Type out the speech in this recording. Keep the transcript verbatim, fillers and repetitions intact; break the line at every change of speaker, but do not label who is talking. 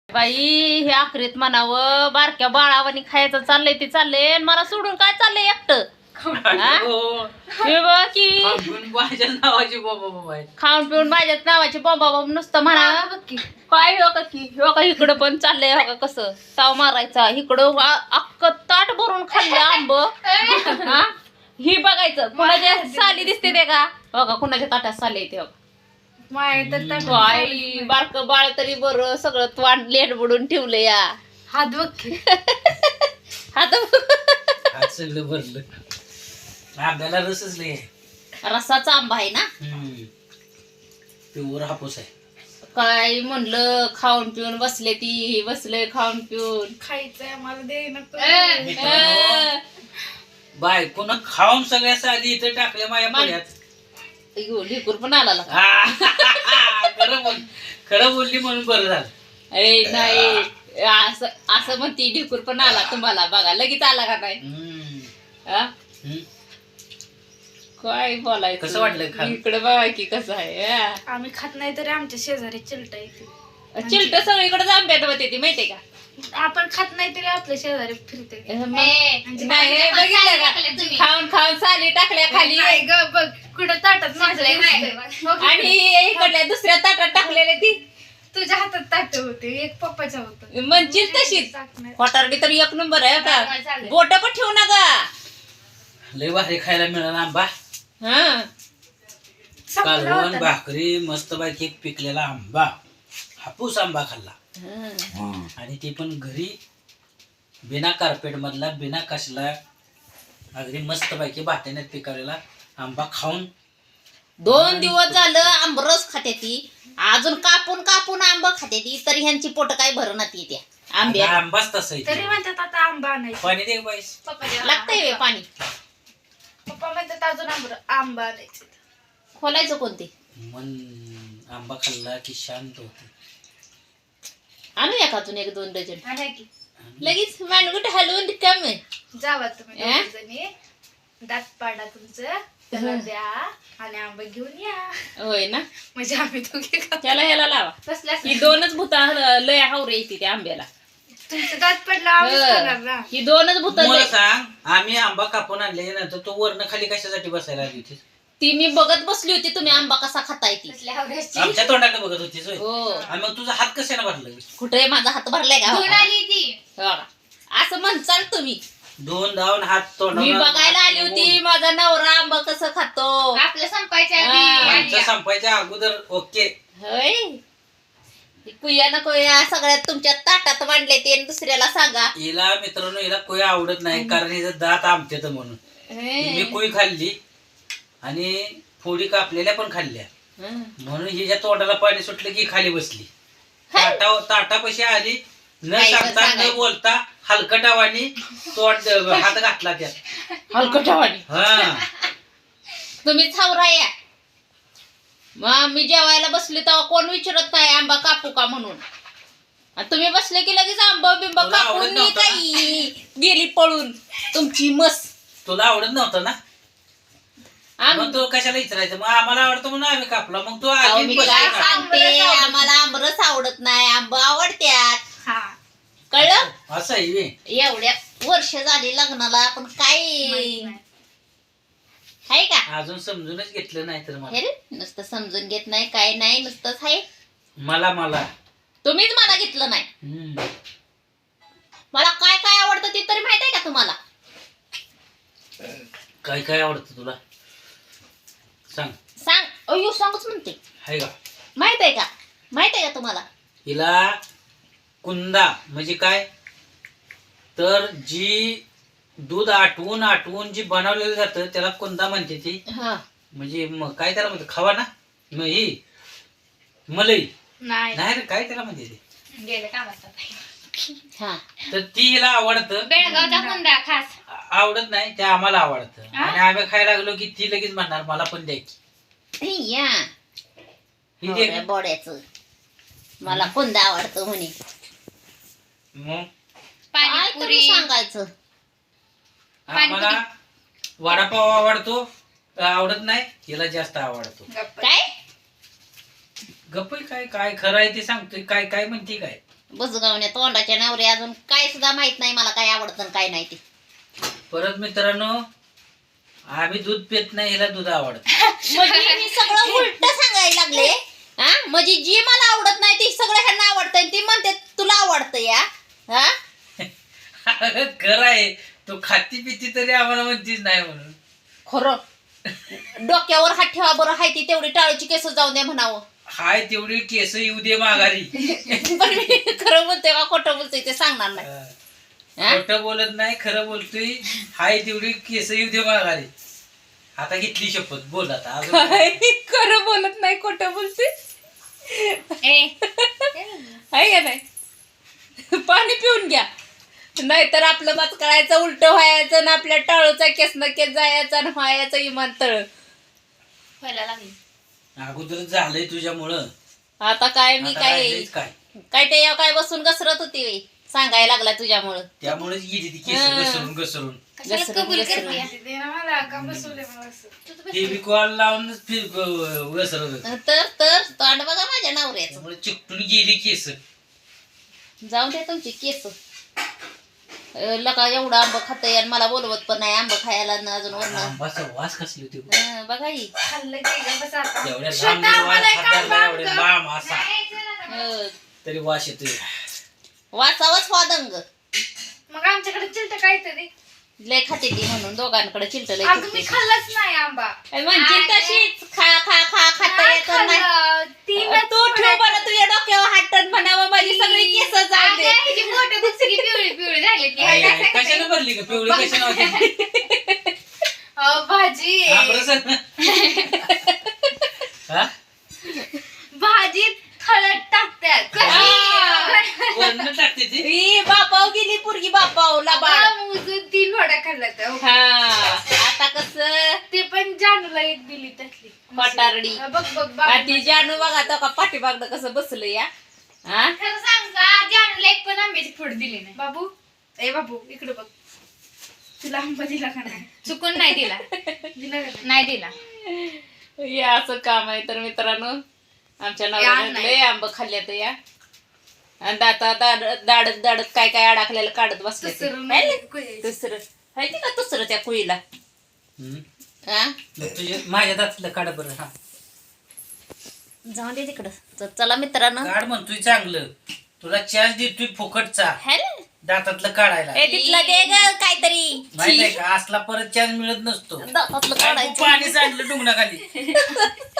बाई हे आखरीत म्हणावं बारक्या बाळावानी खायचं चाललंय ते चाललंय आणि मला सोडून काय चाललंय एकटं की खाऊन पिऊन माझ्याच नावाची बॉम्बा बॉम्ब नुसतं म्हणा काय हो का की हो का इकडं पण चाललंय हो का कसं ताव मारायचा इकडं अख्ख ताट भरून खाल्लं आंब हा ही बघायचं कुणाच्या साली दिसते ते का हो का कुणाच्या ताटात साली येते हो आई बारक बाळ तरी बरं सगळं तोंड लेट बुडून ठेवलं या
हात बघ
हात
सगळं भरलं आंब्याला रसच नाही
रसाचा आंबा आहे ना
प्युअर हापूस आहे
काय म्हणलं खाऊन पिऊन बसले ती बसले खाऊन पिऊन
खायचंय मला दे नको
बायकोनं खाऊन सगळ्या आधी इथं टाकल्या माझ्या पुण्यात
ढिकूर पण आला
खरं बोल खरं बोलली म्हणून बरं झालं
ए नाही असं असं म्हणती ढिकूर पण आला तुम्हाला बघा लगेच आला का नाही हा? काय बोलायचं
कसं वाटलं
इकडे बघा की कसं आहे
आम्ही खात नाही तरी आमच्या शेजारी चिलटा येते
चिलट सगळीकडे आंब्यात होते ती माहितीये का
आपण खात नाही तरी आपल्या शेजारी फिरते
नाही बघितलं का खाऊन खाऊन साली टाकल्या खाली
नाही ग बघ कुठं ताटात माझ्या
आणि इकडल्या दुसऱ्या ताटात टाकलेले ती
तुझ्या हातात ताट होते एक पप्पाच्या होत
म्हणशील तशीच खोटारडी तर एक नंबर आहे का बोट पण ठेवू नका
लय भारी खायला मिळाला आंबा
हा
कालवण भाकरी मस्त पैकी एक पिकलेला आंबा हापूस आंबा खाल्ला आणि ते पण घरी बिना कार्पेट मधला बिना कसला अगदी मस्त पैकी भाट्याने पिकवलेला आंबा खाऊन
दोन दिवस झालं आंबरस खाते ती अजून कापून कापून आंब खाते ती तरी ह्यांची पोट काय भरणार ती त्या आंब्या
आंबाच तसा
तरी म्हणतात आता आंबा आणायचा
पाणी दे बाईस
लागतंय पाणी
पप्पा म्हणतात अजून आंबा आंबा आणायचं
खोलायचं कोणते
मन आंबा खाल्ला की शांत होते
आणूया का अजून एक दोन डझन
आणा की
लगेच मानगुट हलवून कमी
जावा तुम्ही दोघी जणी दात पाडा तुमचं त्याला द्या आणि आंबा घेऊन या
होय ना
म्हणजे आम्ही दोघे
त्याला ह्याला लावा
बसल्या
ही दोनच भूता लय हावरे येते त्या आंब्याला
तुमचं दात पडला आम्हीच खाणार ना
ही दोनच भूत
मला सांग आम्ही आंबा कापून आणल्याच्या नंतर तो वरण खाली कशासाठी बसायला आली होती
ती मी बघत बसली होती तुम्ही आंबा कसा खाताय ती
आमच्या तोंडाकडे बघत होतीस होय
हो
आणि मग तुझा हात कशाने भरला
कुठे माझा हात भरलाय का
घेऊन आली ती
हो का? असं म्हणचाल तुम्ही
दोन धावून हात तोंड
मी बघायला आली होती माझा नवरा आंबा कसं खातो
आपलं संपायच्या
आमच्या संपायच्या अगोदर ओके
होय कुया ना कुया सगळ्यात तुमच्या ताटात मांडले ते आणि दुसऱ्याला सांगा
हिला मित्रांनो हिला कोई आवडत नाही कारण हिचं दात आमच्यात म्हणून मी कोई खाल्ली आणि फोडी कापलेल्या पण खाल्ल्या म्हणून हिच्या तोंडाला पाणी सुटलं की खाली बसली ताटा ताटापाशी आली न सांगता न बोलता हलकटावानी तोंड हात घातला त्यात
हलकटावानी
हा
तुम्ही छावरा या मग मी जेवायला बसली तेव्हा कोण विचारत नाही आंबा कापू का म्हणून आणि तुम्ही बसले की लगेच आंबा बिंबा
तुला आवडत
कापून
नव्हतं
काही गेली पळून तुमची मस
तुला आवडत नव्हतं ना मग तो कशाला विचारायचं मग आम्हाला आवडतं म्हणून आम्ही कापला मग तो
अहो, मी
आधी
काय सांगते आम्हाला आंबरस आवडत नाही आंबा आवडत्यात कळलं
असं आहे बे.
एवढ्या वर्ष झाली लग्नाला पण काय आहे का
अजून समजूनच घेतलं नाही तर मला
हे रे नुसतं समजून घेत नाही काय नाही नुसतंच आहे
मला मला
तुम्हीच मला घेतलं नाही
हम्म.
मला काय काय आवडतं ते तरी माहित आहे का तुम्हाला
काय काय आवडतं तुला सांग
सांग अयो सांगच म्हणते
आहे का
माहित आहे का माहित आहे का तुम्हाला
हिला कुंदा म्हणजे काय तर जी दूध आटवून आटवून जी बनवलेलं जातं त्याला कुंदा म्हणते ती
हा
म्हणजे मग काय त्याला म्हणते खावा ना मग ही मलई
नाही
नाही रे काय त्याला म्हणते ते
गेलं कामात
हा
तर ती हिला आवडतं
बेळगावचा कुंदा खास
आवडत नाही ते आम्हाला आवडतं आणि आम्ही खायला लागलो की ती लगेच म्हणणार मला पण द्यायची
या
ही दे
बोड्याचं मला कुंदा आवडतो म्हणे
मग
काय तरी सांगायचं
आम्हाला वडापाव आवडतो आवडत नाही हिला जास्त आवडतो
काय
गप्प काय काय खरं आहे ते सांगतोय काय काय म्हणते काय
बुजगावण्या तोंडाच्या नवरे अजून काय सुद्धा माहित नाही मला काय आवडतं आणि काय नाही ते.
परत मित्रांनो आम्ही दूध पित नाही, हिला दूध आवडत.
म्हणजे मी सगळं उलट सांगायला लागले. हा म्हणजे जी मला आवडत नाही ती सगळं ह्यांना आवडतंय ती म्हणते तुला आवडतं या. हा
खरं आहे, तू खाती पिती तरी आम्हाला म्हणतीच नाही म्हणून.
खरं डोक्यावर हात ठेवा बरं, हाय ती तेवढी टाळूची केस जाऊन द्या म्हणावं.
हाय तेवढी केस येऊ दे माघारी.
पण मी खरं बोलते का खोटं बोलतोय ते सांगणार नाही. हा?
खोटं बोलत नाही, खरं बोलतोय. हाय तेवढी केस येऊ दे माघारी. आता घेतली शपथ, बोल आता अजून काय?
काय खरं बोलत नाही खोटं बोलते आहे का नाही. पाणी पिऊन घ्या नाहीतर आपलं मत करायचं उलट व्हायचं ना आपल्या टाळूचा केस न केस जायचा आणि व्हायचं इमान तळ
व्हायला लागली.
अगोदर झालंय तुझ्यामुळं.
आता काय मी
आता
काय
राहिलंयच काय
काय ते यावं काय बसून घसरत होती बाई. सांगायला लागला तुझ्यामुळं.
त्यामुळेच गेली ती केस
हा.
घसरून घसरून.
कशाला
घसरून-
कबूल
घसरून.
करते ते ना मला का बसवले मला असं. तू तर बस.
फेविकॉल लावूनच फिर घसरत होती.
तर तर तोंड बघा माझ्या नवऱ्याचं.
त्यामुळे चिकटून गेली केस.
जाऊ दे तुमची केस. अं, लका एवढं आंब खातंय आणि मला बोलवत पण नाही आंब खायला न अजून वरण.
आंबाचा वास कसली होती.
बघा ही
खाल्लं की गं बस आता.
एवढ्या
श्वेता,
लांब वास
मला एक
हात
आंबा
धरला,
आण
एवढ्या
गं.
लांब असा
नाही, चला ना.
अं,
तरी वास येतोय.
वाचावच वादंग
मग आमच्याकडे चिलट काहीतरी.
लय खाते ती म्हणून दोघांकडे चिलट लय
अगं मी
चिलटे.
खाल्लंच नाही आंबा.
म्हणजे तशीच खा खा खा खाता
नाही
येत नाही.
खाल्लं. तीनच
तू ठेव बरं तुझ्या डोक्यावर हाटण म्हणावं माझी सगळी केस जाऊ दे.
अगं, हिची बोटं बघ सगळी पिवळी पिवळी झाली की.
आई, आई, कशाने भरली का पिवळी कशाने होती?
अहो, भाजी
हा, बरं सर. हा?
भाजीत हळद टाकतात कशी?
वरनं टाकते ती.
ई, बापाव गेली पुरगी बापाव लाबाड.
अगं, मोजून तीन वड्या खाल्ल्या त्या.
हा आता कसं
ते पण जानूला एक दिली त्यातली
फटारडी.
हा, बघ बघ बघ.
आणि ती जानू बघा तो का पाठीमागनं कसं बसलं या. हा
खरं सांग का जानूला एक पण आंब्याची फोड दिली नाही. बाबू ए बाबू इकडे बघ. तुला आंबा दिला का नाही? चुकून नाही दिला. दिला का नाही दिला.
हे असं काम आहे तर मित्रांनो आमच्या
या
नवऱ्याने
नाही.
लय आंब खाल्ले तर या आणि दाता दाडत दाडत दाडत काय काय अडकलेलं काढत बसले ते.
दुसरं
है ना?
नाही.
दुसरं माहिती का दुसरं त्या कुईला.
हम्म.
हा
मग तुझे माझ्या दातलं काढ बरं. हा
जाऊ दे तिकडं. तर चला मित्रांनो
काढ म्हणतोय चांगलं. तुला चार्ज देतोय फुकटचा
है ना?
दातातलं काढायला.
ए तिथलं दे ग काहीतरी.
माहित आहे का असला परत चार्ज मिळत नसतो.
दातातलं
काय तू
काढायचं.
पाणी सांडलं डुंगणाखाली.